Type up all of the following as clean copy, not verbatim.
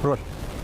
Role.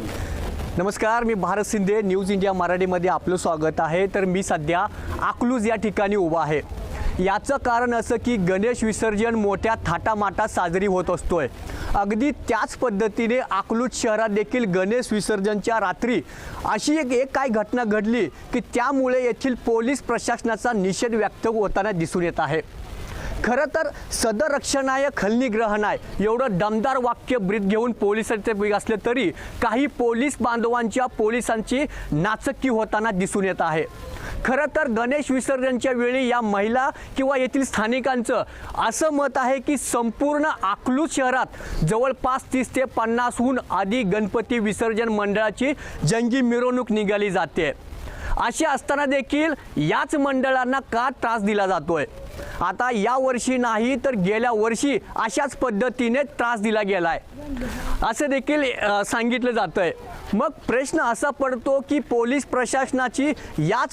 नमस्कार, मी Bharat Shinde, news India मराठीमध्ये आपलं स्वागत आहे. तर मी सध्या अकलूज या ठिकाणी उभा आहे. याचं कारण असं की गणेश विसर्जन मोठ्या थाटामाटात साजरी होत असतोय. अगदी त्याच पद्धतीने अकलूज शहरात देखील गणेश विसर्जनच्या रात्री अशी एक काय घटना घडली की त्यामुळे येथील पोलीस प्रशासनाचा निषेध व्यक्त होताना दिसून येत आहे. खरं तर सदर रक्षणाय खलनिग्रहणाय एवढं दमदार वाक्य ब्रीद घेऊन पोलिसांचे असले तरी काही पोलीस बांधवांच्या पोलिसांची नाचक्की होताना दिसून येत आहे. खरं तर गणेश विसर्जनच्या वेळी या महिला किंवा येथील स्थानिकांचं असं मत आहे की संपूर्ण अकलूज शहरात जवळपास 30 ते 50हून अधिक गणपती विसर्जन मंडळाची जंगी मिरवणूक निघाली जाते. असे असताना देखील याच मंडळांना का त्रास दिला जातोय? आता या वर्षी नाही तर गेल्या वर्षी अशाच पद्धतीने त्रास दिला गेलाय असं देखील सांगितलं जातंय. मग प्रश्न असा पडतो की पोलीस प्रशासनाची याच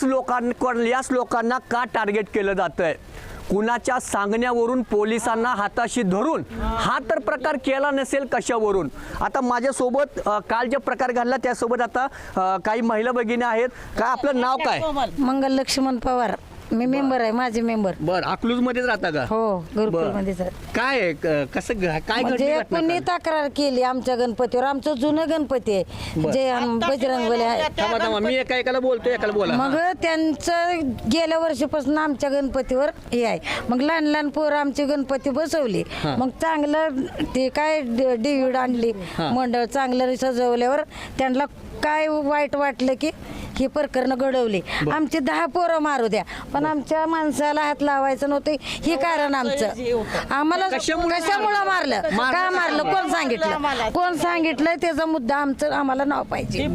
लोकांना का टार्गेट केलं जातंय? कुणाच्या सांगण्यावरून पोलिसांना हाताशी धरून हा तर प्रकार केला नसेल कशावरून? आता माझ्यासोबत काल जे प्रकार घडला त्यासोबत आता काही महिला भगिनी आहेत. काय आपलं नाव काय? मंगल लक्ष्मण पवार. मी मेंबर आहे, माझे मेंबर. बर, अकलूज मध्येच राहता का? हो, गुरुकुल मध्ये. काय आहे, कसं काय म्हणजे घडली घटना? कोणी तक्रार केली आमच्या गणपतीवर. आमचं जुनं गणपती आहे जे बजरंगबली आहे. थांबा, मी एकाला बोलतो, एकाला बोला. मग त्यांचं गेल्या वर्षीपासून आमच्या गणपतीवर हे आहे. मग लहान लहान पोरं आमची गणपती बसवली. मग चांगलं ते काय डिव्हिड आणली मंडळ चांगलं सजवल्यावर त्यांना काय वाईट वाटलं की ही प्रकरण घडवली. आमची 10 पोरं मारू द्या पण आमच्या माणसाला हात लावायचं नव्हतं. हे कारण आमचं. आम्हाला कशामुळं मारलं, का मारलं, कोण सांगितलं, कोण सांगितलं त्याचा मुद्दा आमचं आम्हाला नाव पाहिजे,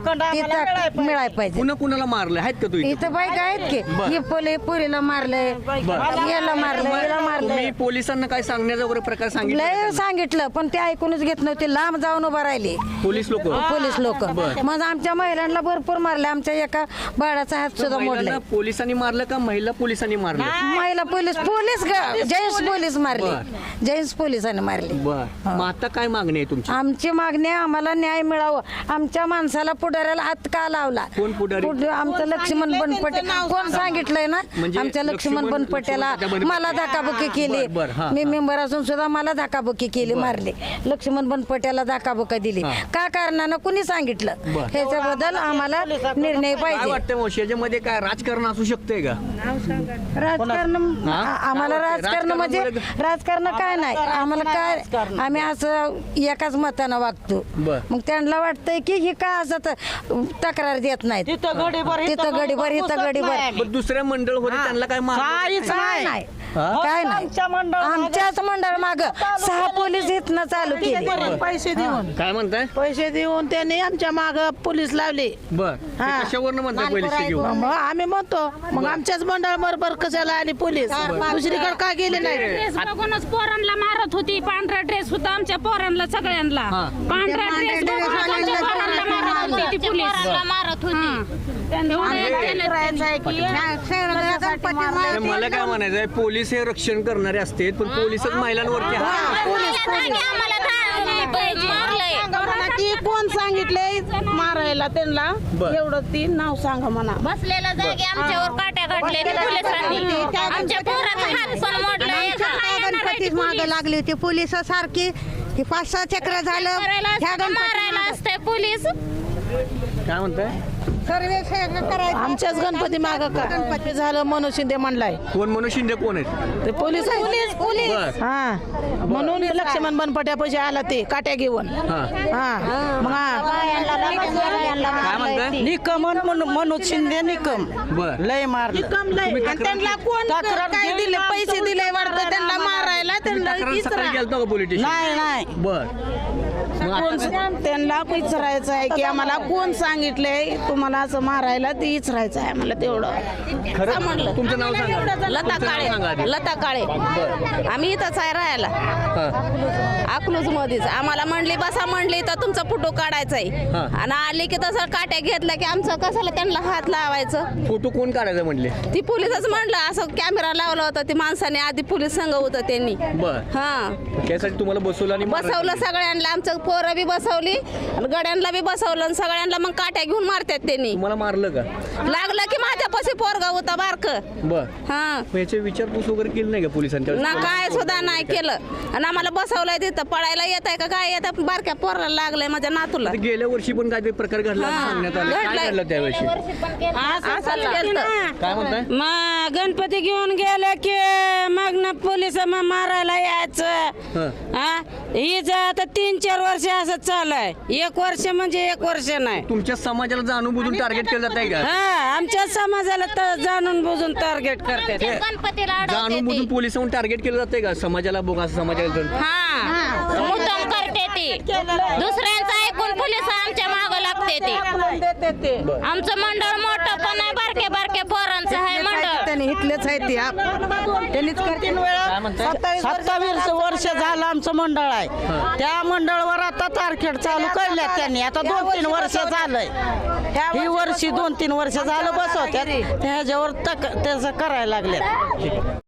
मिळाय पाहिजे. कुणाला मारलं आहेत का? तू इथं बाईक आहेत की ही पोरीला मारलंय, याला मारलंय, याला मारलंय. मी पोलिसांना काय सांगण्याचा वगैरे प्रकार सांगितलं पण ते ऐकूनच घेत नव्हते. लांब जाऊन उभा राहिले पोलीस लोक. मग आमच्या महिलांना भरपूर मारले. आमच्या एका बाळाचा हात सुद्धा मोडला. पोलिसांनी मारलं का महिला पोलिसांनी मारलं? महिला पोलीस जेंट्स पोलीस मारले. जेंट्स पोलिसांनी मारले. मग आता काय मागणी आहे तुमची? आमची मागणी आम्हाला न्याय मिळावं. आमच्या माणसाला पुढाऱ्याला हात का लावला? कोण पुढारी? आमचं लक्ष्मण बनपटे. कोण सांगितलंय ना? आमच्या लक्ष्मण बनपट्याला मला धक्काबुक्की केली. मी मेंबर असून सुद्धा मला धक्काबुक्की केली, मारले. लक्ष्मण बनपट्याला धक्काबुक्का दिली. का कारणानं कुणी सांगितलं? ह्याच्याबद्दल आम्हाला निर्णय पाहिजे. वाटतं याच्यामध्ये काय राजकारण असू शकते का? राजकारण आम्हाला राजकारण म्हणजे राजकारण काय नाही आम्हाला. काय आम्ही असं एकाच मतानं वागतो. मग त्यांना वाटतंय की ही का असं तक्रार देत नाहीत. तिथं गडीभर दुसऱ्या मंडळ होते त्यांना काय नाही. काय नाही. आमच्याच मंडळ माग 6 पोलीस इथनं चालू केले. पैसे देऊन काय म्हणताय? पैसे देऊन त्यांनी आमच्या माग पोलीस लावले. कशावरून म्हणताय पोलीस घेऊन? मग आम्ही म्हणतो मग आमच्याच मंडळ बरोबर कशाला आली पोलीस? दुसरीकडे का गेले नाही? ड्रेस बघूनच पोरांना मारत होती. पांढरा ड्रेस होता आमच्या पोरांना सगळ्यांना. पांढरा ड्रेस बघूनच आमच्या पोरांना मारत होती ती पोलीस. मारत होती. मला काय म्हणायचंय, पोलीस हे रक्षण करणारे असते पण पोलीसच महिलांवरती ती कोण सांगितले मारायला त्यांना? एवढं ती नाव सांगा म्हणा. बसलेल्या जागी आमच्यावर काट्या काढले पोलिसांनी. आमच्या पोराचा हात पण मोडला. गणपतीच मागे लागली होती पोलिस सारखी. 5-6 चक्र झालं ह्या मारायला असते पोलीस. काय म्हणताय? आमच्याच गणपती माग गणपती झालं. मनोज शिंदे म्हणलाय. कोण? मनोज शिंदे कोण आहेत? ते पोलीस म्हणून लक्ष्मण बनपट्या पैसे आला ते काट्या घेऊन. मग काय म्हणताय? निकमन मनोज शिंदे निकम लय मारलं. त्यांना कोण काय दिले? पैसे दिले वाटतं त्यांना मारायला. त्यांना पोलिटिशियन नाही. त्यांना विचारायचं आहे की आम्हाला कोण सांगितलंय तुम्हाला असं मारायला? ते विचारायचं आहे आम्हाला तेवढं. खरं म्हणलं. तुमचं नाव सांगा. लता काळे. लता काळे. आम्ही इथंच आहे राहायला अकलूज मध्येच. आम्हाला म्हणली बसा म्हणली तर तुमचा फोटो काढायचा आहे. आणि आली की तसं काट्या घेतला की आमचं कशाला त्यांना हात लावायचं? फोटो कोण काढायचं म्हणले? ती पोलिसच म्हणलं. असं कॅमेरा लावला होता ती माणसाने. आधी पोलीस संघ होतं त्यांनी. त्यासाठी तुम्हाला बसवलं आणि बसवलं सगळ्यांना. आमचं पोरं बी बसवली आणि गड्यांना बी बसवलं आणि सगळ्यांना मग काट्या घेऊन मारतात त्यांनी. तुम्हाला मारलं का? लागलं की माझ्यापाशी पोरगा होता बारक. बर. हा मग याची विचारपूस वगैरे केली नाही का पोलिसांच्या? ना काय सुद्धा नाही केलं आणि आम्हाला बसवलंय तिथं. पडायला येत आहे का काय येत आहे? बारक्या पोराला लागलंय माझ्या नातूला. आता गेल्या वर्षी पण काहीतरी प्रकार घडला असं सांगण्यात आलं. काय घडलाय. घडलं त्यावेळी? असंच केलं. काय म्हणताय? मग गणपती घेऊन गेले की मग ना पोलिस मारायला यायचं. हा हीच आता 3-4 वर्ष असं चालू आहे. 1 वर्ष म्हणजे 1 वर्ष नाही. तुमच्या समाजाला जाणून बुजून टार्गेट केलं जात आहे का? हा आमच्या समाजाला तर जाणून बुजून टार्गेट करतात. गणपतीला जाणून बुजून पोलिसांना टार्गेट केलं जातंय का? समाजाला बघा समाजाला. हा मुद्दाम करते ती. दुसऱ्यांचं ऐकून पोलिस आमच्या मागं लागते ती. आमचं मंडळ मोठं पण आहे, बारके बारके पोरांचं आहे मंडळ. त्यांनी इथलेच आहे ती त्यांनीच करते. 27 वर्ष झालं आमचं मंडळ आहे. त्या मंडळावर आता तारखेड चालू करल्यात त्यांनी. आता 2-3 वर्ष झालंय. ही वर्षी 2-3 वर्ष झालं बसवत्यात. त्याच्यावर त्याचं करायला लागल्यात.